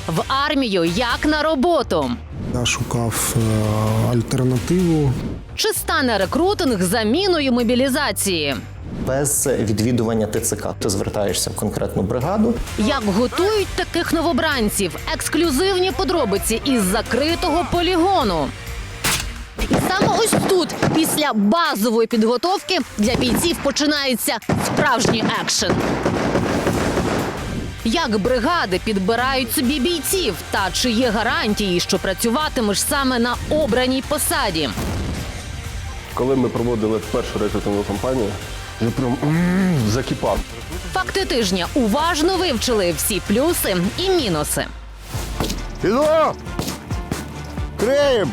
В армію як на роботу. Я шукав альтернативу. Чи стане рекрутинг заміною мобілізації? Без відвідування ТЦК ти звертаєшся в конкретну бригаду. Як готують таких новобранців? Ексклюзивні подробиці із закритого полігону. І саме ось тут, після базової підготовки, для бійців починається справжній екшен. Як бригади підбирають собі бійців? Та чи є гарантії, що працюватимеш саме на обраній посаді? Коли ми проводили першу рекрутингову кампанію, я прям закипав. Факти тижня уважно вивчили всі плюси і мінуси. Іду! Криєм!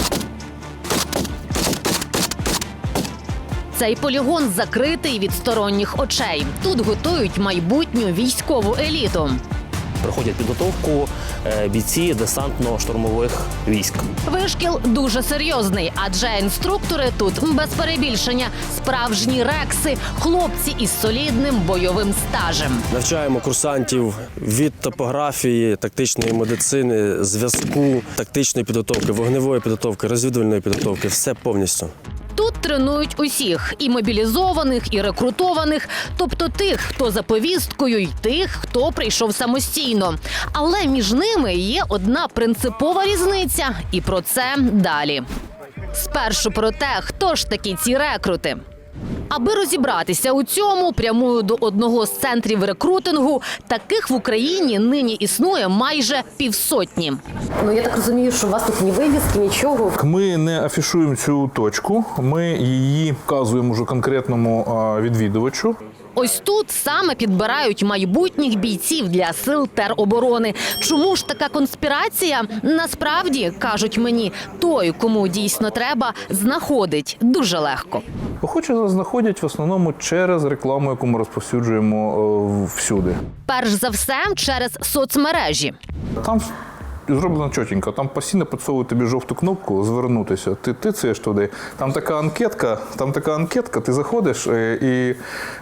Цей полігон закритий від сторонніх очей. Тут готують майбутню військову еліту. Проходять підготовку бійці десантно-штурмових військ. Вишкіл дуже серйозний, адже інструктори тут, без перебільшення, справжні рекси, хлопці із солідним бойовим стажем. Навчаємо курсантів від топографії, тактичної медицини, зв'язку, тактичної підготовки, вогневої підготовки, розвідувальної підготовки – все повністю. Тут тренують усіх – і мобілізованих, і рекрутованих, тобто тих, хто за повісткою, і тих, хто прийшов самостійно. Але між ними є одна принципова різниця, і про це далі. Спершу про те, хто ж такі ці рекрути. Аби розібратися у цьому, прямую до одного з центрів рекрутингу. Таких в Україні нині існує майже 500. Ну, я так розумію, що у вас тут ні вивіски, нічого. Ми не афішуємо цю точку, ми її вказуємо вже конкретному відвідувачу. Ось тут саме підбирають майбутніх бійців для сил тероборони. Чому ж така конспірація? Насправді, кажуть мені, той, кому дійсно треба, знаходить дуже легко. Охочі знаходять в основному через рекламу, яку ми розповсюджуємо всюди. Перш за все, через соцмережі. Там зроблено чотенько, там постійно підсовують тобі жовту кнопку «Звернутися». Ти тицяєш туди, там така анкетка, ти заходиш і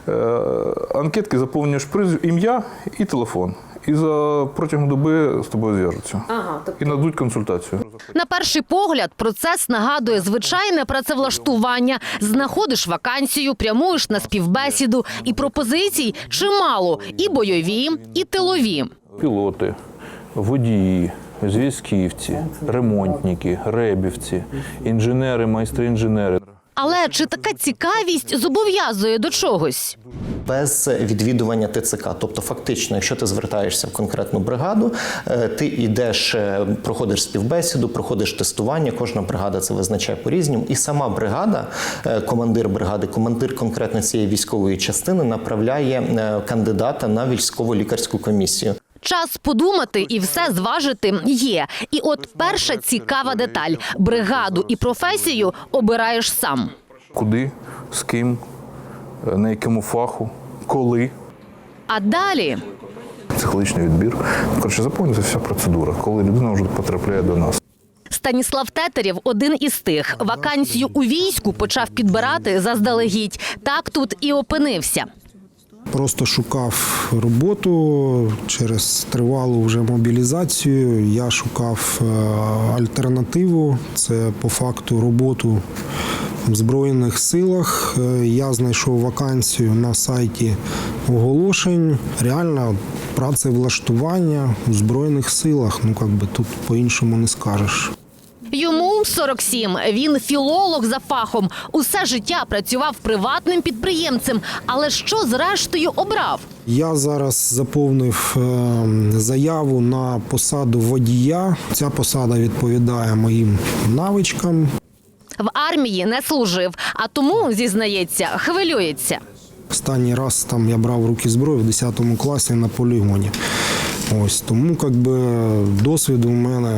анкетки заповнюєш ім'я і телефон. І протягом доби з тобою зв'яжуться. І нададуть консультацію. На перший погляд, процес нагадує звичайне працевлаштування. Знаходиш вакансію, прямуєш на співбесіду. І пропозицій чимало. І бойові, і тилові. Пілоти, водії, зв'язківці, ремонтники, ребівці, інженери, майстри-інженери. Але чи така цікавість зобов'язує до чогось? Без відвідування ТЦК. Тобто фактично, якщо ти звертаєшся в конкретну бригаду, ти йдеш, проходиш співбесіду, проходиш тестування, кожна бригада це визначає по-різному. І сама бригада, командир бригади, командир конкретно цієї військової частини направляє кандидата на військово-лікарську комісію. Час подумати і все зважити є. І от перша цікава деталь – бригаду і професію обираєш сам. Куди, з ким, на якому фаху, коли. А далі? Психологічний відбір. Коротше, заповнюється вся процедура, коли людина вже потрапляє до нас. Станіслав Тетерєв – один із тих. Вакансію у війську почав підбирати заздалегідь. Так тут і опинився. Просто шукав роботу через тривалу вже мобілізацію. Я шукав альтернативу. Це по факту роботу в Збройних силах. Я знайшов вакансію на сайті оголошень. Реально працевлаштування у Збройних силах. Ну, тут по-іншому не скажеш. Йому 47. Він філолог за фахом. Усе життя працював приватним підприємцем. Але що зрештою обрав? Я зараз заповнив заяву на посаду водія. Ця посада відповідає моїм навичкам. В армії не служив, а тому, зізнається, хвилюється. Останній раз я брав в руки зброю в 10 класі на полігоні. Ось, тому досвіду в мене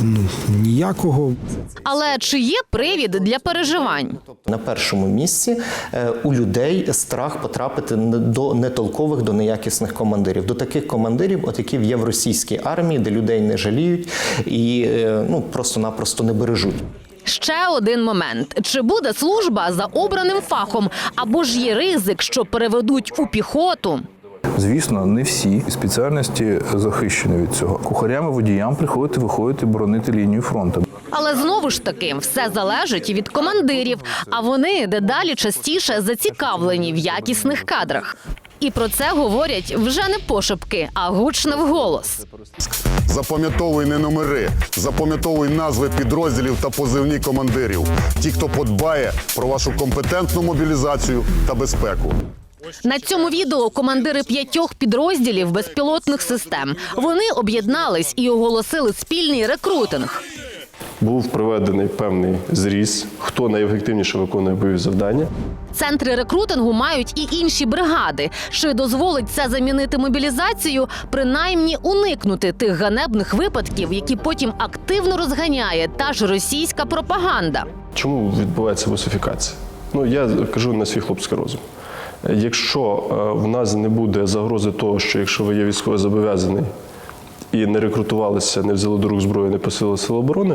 ніякого. Але чи є привід для переживань? На першому місці у людей страх потрапити до нетолкових, до неякісних командирів. До таких командирів, які є в російській армії, де людей не жаліють і просто-напросто не бережуть. Ще один момент. Чи буде служба за обраним фахом? Або ж є ризик, що переведуть у піхоту? Звісно, не всі спеціальності захищені від цього. Кухарям і водіям приходити, виходити, боронити лінію фронту. Але знову ж таки, все залежить від командирів, а вони дедалі частіше зацікавлені в якісних кадрах. І про це говорять вже не пошепки, а гучно вголос. Запам'ятовуй не номери, запам'ятовуй назви підрозділів та позивні командирів. Ті, хто подбає про вашу компетентну мобілізацію та безпеку. На цьому відео командири 5 підрозділів безпілотних систем. Вони об'єднались і оголосили спільний рекрутинг. Був проведений певний зріз, хто найефективніше виконує бойові завдання. Центри рекрутингу мають і інші бригади, що дозволить це замінити мобілізацію, принаймні уникнути тих ганебних випадків, які потім активно розганяє та ж російська пропаганда. Чому відбувається русифікація? Я кажу на свій хлопський розум. Якщо в нас не буде загрози того, що якщо ви є військовозобов'язаний і не рекрутувалися, не взяли до рук зброю, не посилили сили оборони,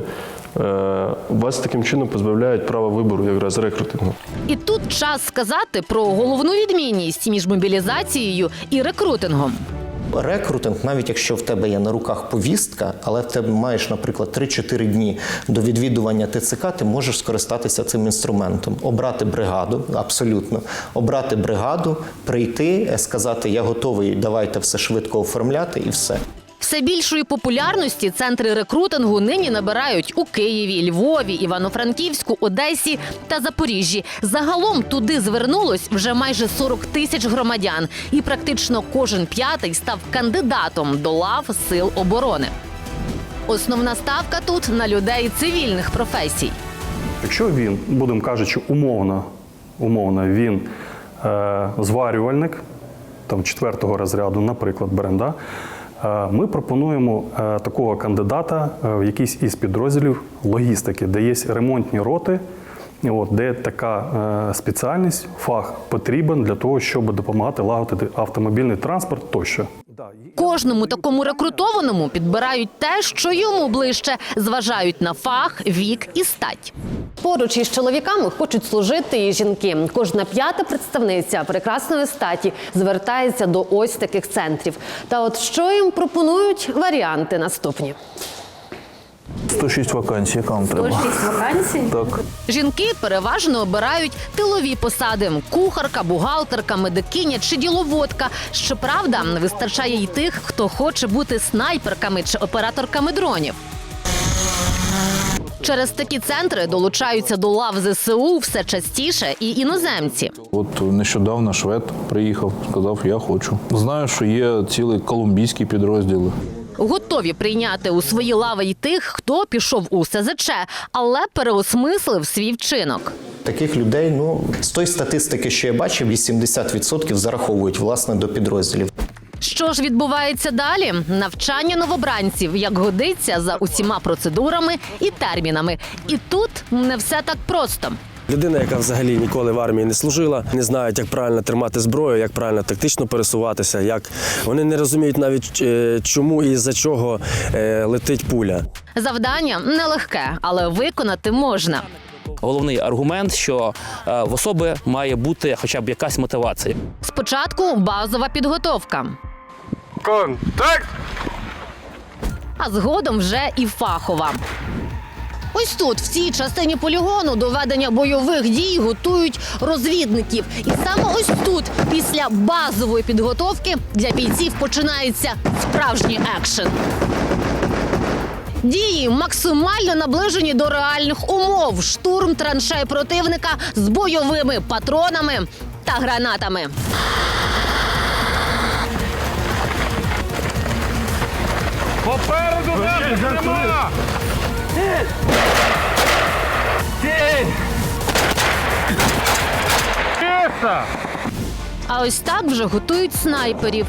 вас таким чином позбавляють права вибору якраз рекрутингу. І тут час сказати про головну відмінність між мобілізацією і рекрутингом. Рекрутинг, навіть якщо в тебе є на руках повістка, але в тебе маєш, наприклад, 3-4 дні до відвідування ТЦК, ти можеш скористатися цим інструментом. Обрати бригаду, абсолютно. Обрати бригаду, прийти, сказати, я готовий, давайте все швидко оформляти і все. Все більшої популярності центри рекрутингу нині набирають у Києві, Львові, Івано-Франківську, Одесі та Запоріжжі. Загалом туди звернулось вже майже 40 тисяч громадян. І практично кожен п'ятий став кандидатом до лав сил оборони. Основна ставка тут на людей цивільних професій. Якщо він, будемо кажучи, умовно він зварювальник, там 4-го розряду, наприклад, беремо, да? Ми пропонуємо такого кандидата в якийсь із підрозділів логістики, де є ремонтні роти, де така спеціальність, фах потрібен для того, щоб допомагати лагодити автомобільний транспорт тощо. Кожному такому рекрутованому підбирають те, що йому ближче, зважають на фах, вік і стать. Поруч із чоловіками хочуть служити і жінки. Кожна 5-та представниця прекрасної статі звертається до ось таких центрів. Та от що їм пропонують? Варіанти наступні. 106 вакансій, яка вам треба? 106 вакансій? Так. Жінки переважно обирають тилові посади – кухарка, бухгалтерка, медикиня чи діловодка. Щоправда, вистачає й тих, хто хоче бути снайперками чи операторками дронів. Через такі центри долучаються до лав ЗСУ все частіше і іноземці. От нещодавно швед приїхав, сказав, я хочу. Знаю, що є цілі колумбійські підрозділи. Готові прийняти у свої лави й тих, хто пішов у СЗЧ, але переосмислив свій вчинок. Таких людей, з тої статистики, що я бачив, 80% зараховують, власне, до підрозділів. Що ж відбувається далі? Навчання новобранців, як годиться, за усіма процедурами і термінами. І тут не все так просто. Людина, яка взагалі ніколи в армії не служила, не знає, як правильно тримати зброю, як правильно тактично пересуватися, як вони не розуміють навіть, чому і за чого летить пуля. Завдання нелегке, але виконати можна. Головний аргумент, що в особи має бути хоча б якась мотивація. Спочатку базова підготовка. Контакт! А згодом вже і фахова. Ось тут, в цій частині полігону, до ведення бойових дій готують розвідників. І саме ось тут, після базової підготовки, для бійців починається справжній екшен. Дії максимально наближені до реальних умов. Штурм траншей противника з бойовими патронами та гранатами. Попереду нема! А ось так вже готують снайперів.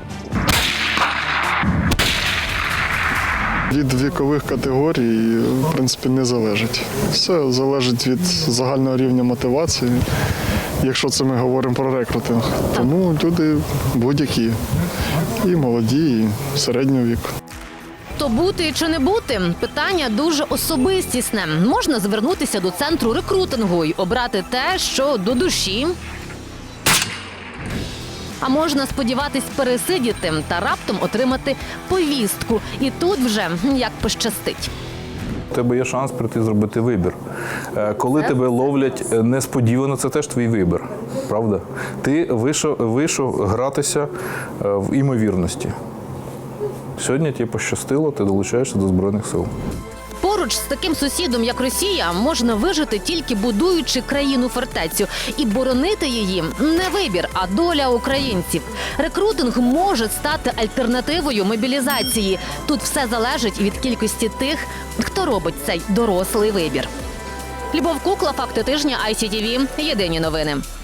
Від вікових категорій, в принципі, не залежить. Все залежить від загального рівня мотивації, якщо це ми говоримо про рекрутинг. Тому люди будь-які, і молоді, і середнього віку. То бути чи не бути – питання дуже особистісне. Можна звернутися до центру рекрутингу і обрати те, що до душі. А можна сподіватись пересидіти та раптом отримати повістку. І тут вже як пощастить. У тебе є шанс прийти зробити вибір. Коли тебе ловлять несподівано, це теж твій вибір, правда? Ти вийшов гратися в імовірності. Сьогодні тобі пощастило, ти долучаєшся до Збройних сил. Поруч з таким сусідом, як Росія, можна вижити тільки будуючи країну-фортецю. І боронити її не вибір, а доля українців. Рекрутинг може стати альтернативою мобілізації. Тут все залежить від кількості тих, хто робить цей дорослий вибір. Любов Кукла, факти тижня, ICTV, єдині новини.